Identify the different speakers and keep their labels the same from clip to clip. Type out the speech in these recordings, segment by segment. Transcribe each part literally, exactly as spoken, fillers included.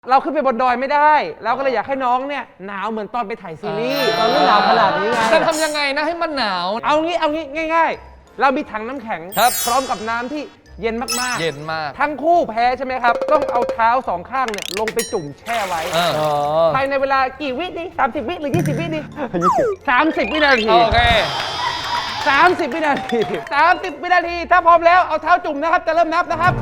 Speaker 1: เราขึ้นไปบนดอยไม่ได้เราก็เลยอยากให้น้องเนี่ยหนาวเหมือนตอนไปถ่ายซีรีส์ตอนไม่หนาวขนาดนี้ไง
Speaker 2: จะทำยังไงนะให้มันหนาว
Speaker 1: เอางี้เอางี้ง่ายๆเรามีถังน้ำแข็งพร้อมกับน้ำที่เย็นมากๆ
Speaker 2: เย็นมาก
Speaker 1: ทั้งคู่แพ้ใช่ไหมครับต้องเอาเท้าสองข้างเนี่ยลงไปจุ่มแช่ไว้ภายในเวลากี่วิดีสามสิบวิหรือยี่สิบวิดีสามสิบวินาที
Speaker 2: โอเค
Speaker 1: สามสิบวินาทีสามสิบวินาทีถ้าพร้อมแล้วเอาเท้าจุ่มนะครับจะเริ่มนับนะครับ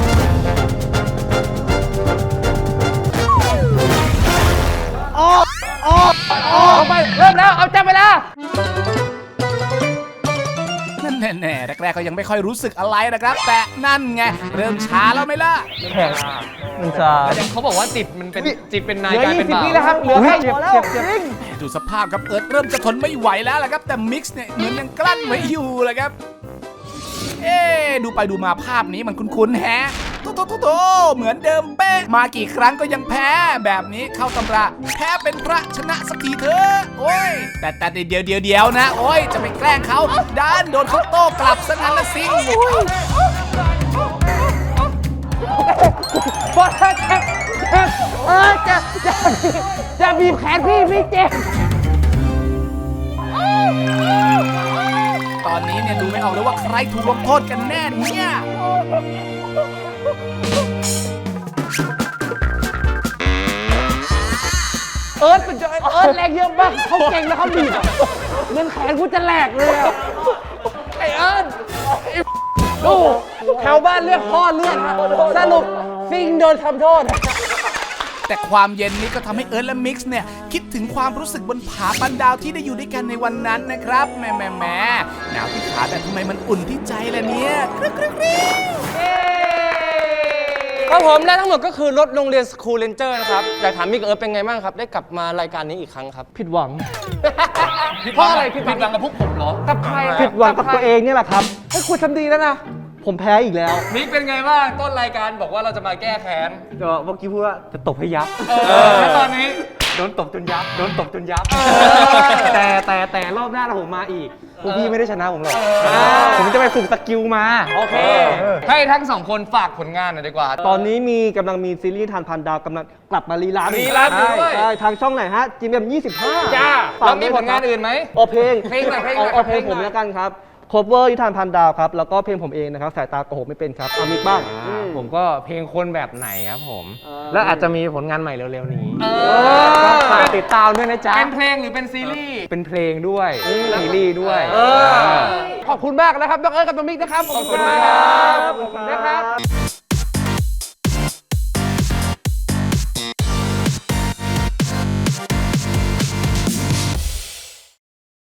Speaker 1: ออกออกออกไปเริ่มแล้วเอาจับเวลา
Speaker 3: นั่นแน่ๆแรกๆก็ยังไม่ค่อยรู้สึกอะไรนะครับแต่นั่นไงเริ่มช้าแล้วไหมล่ะ
Speaker 1: แข็งมันจะ
Speaker 2: เขาบอกว่าจิตมันเป็นจิตเป็นนายกลายเป็นบ่าว
Speaker 1: เหลือยี่สิบวิแล้วครับเหลือแค่เจ็บเจ็บเจ็บ
Speaker 3: ดูสภาพครับเอิร์ธเริ่มจะทนไม่ไหวแล้วแหละครับแต่มิกซ์เนี่ยเหมือนยังกลั้นไว้อยู่เลยครับเอ๊ดูไปดูมาภาพนี้มันคุ้นๆแฮะโตโตโตโตเหมือนเดิมเป๊ะมากี่ครั้งก็ยังแพ้แบบนี้เข้าตำราแพ้เป็นพระชนะสักทีเถอะโอ้ยแต่แต่เดี๋ยวเดี๋ยวเดี๋ยวนะโอ้ยจะไปแกล้งเขาด้านโดนเขาโต้กลับซะงั้นละสิ
Speaker 1: พอแล้วเจ็บเจ็บเออจะจะจะบีบแขนพี่พี่เจ็บ
Speaker 3: ตอนนี้เนี่ยดูไม่ออกเลยว่าใครถูกลงโทษกันแน่เนี่ย
Speaker 1: เอิร์ธเป็นเอิร์ธแรงเยอะมากเขาเก่งแล้วเขาบีบเงินแขนกูจะแหลกเลยอ่ะไอเอิร์ธดูแถวบ้านเรียกพ่อเลือดสรุปฟิงโดนทำโทษ
Speaker 3: แต่ความเย็นนี้ก็ทำให้เอิร์ธและมิกซ์เนี่ยคิดถึงความรู้สึกบนผาปันดาวที่ได้อยู่ด้วยกันในวันนั้นนะครับแหมแหมแหมหนาวที่ขาแต่ทำไมมันอุ่นที่ใจล่ะเนี่ยกรึ๊กกรึ๊กกรึ๊ก
Speaker 4: ครับผมและทั้งหมดก็คือรถโรงเรียนสคูลเลนเจอร์นะครับอยากถามมิกเอิร์ธเป็นไงบ้างครับได้กลับมารายการนี้อีกครั้งครับ
Speaker 1: ผิดหวัง
Speaker 2: เพราะอะไรผิดหวังกับพวกผมเหรอ
Speaker 1: กับใครผิดหวังกับตัวเองนี่แหละครับให้คุณทำดีแล้วนะผมแพ้อีกแล้ว
Speaker 2: มิกเป็นไงบ้างต้นรายการบอกว่าเราจะมาแก้แค้น
Speaker 1: ก็เมื่อกี้พูดว่าจะตบให้ยับ
Speaker 2: แล้วตอนนี้
Speaker 1: โดนตบจนยับโดนตบจนยับแต่แต่แต่รอบหน้าเราผมมาอีกพวกพี่ไม่ได้ชนะผมหรอกผมจะไปฝึกสกิลมา
Speaker 2: โอเคให้ทั้งสองคนฝากผลงานหน่อยดีกว่า
Speaker 1: ตอนนี้มีกำลังมีซีรีส์ทานพันดาวกำลังกลับมารีรัน
Speaker 2: รีรันด้วย
Speaker 1: ใช่ทางช่องไหนฮะจีเอ็มยี่สิบห้า
Speaker 2: จ้าแล้วมีผลงานอื่นไหม
Speaker 1: โอเพลง
Speaker 2: เพลงไหนเพลง
Speaker 1: เอาเพลงผมแล้วกันครับโคเวอร์นิทานพันดาวครับแล้วก็เพลงผมเองนะครับสายตาโกหกไม่เป็นครับเอามิกบ้าง
Speaker 4: ผมก็เพลงคนแบบไหนครับผมแล้วอาจจะมีผลงานใหม่เร็วๆนี้
Speaker 1: ฝากติดตามด้วยนะจ๊ะ
Speaker 2: เป็นเพลงหรือเป็นซีรีส์
Speaker 4: เป็นเพลงด้วยซีรีส์ด้วย
Speaker 1: ขอบคุณมากนะครับน้องเอิร์ธกับน้องมิกนะครับขอบคุณครับนะครับ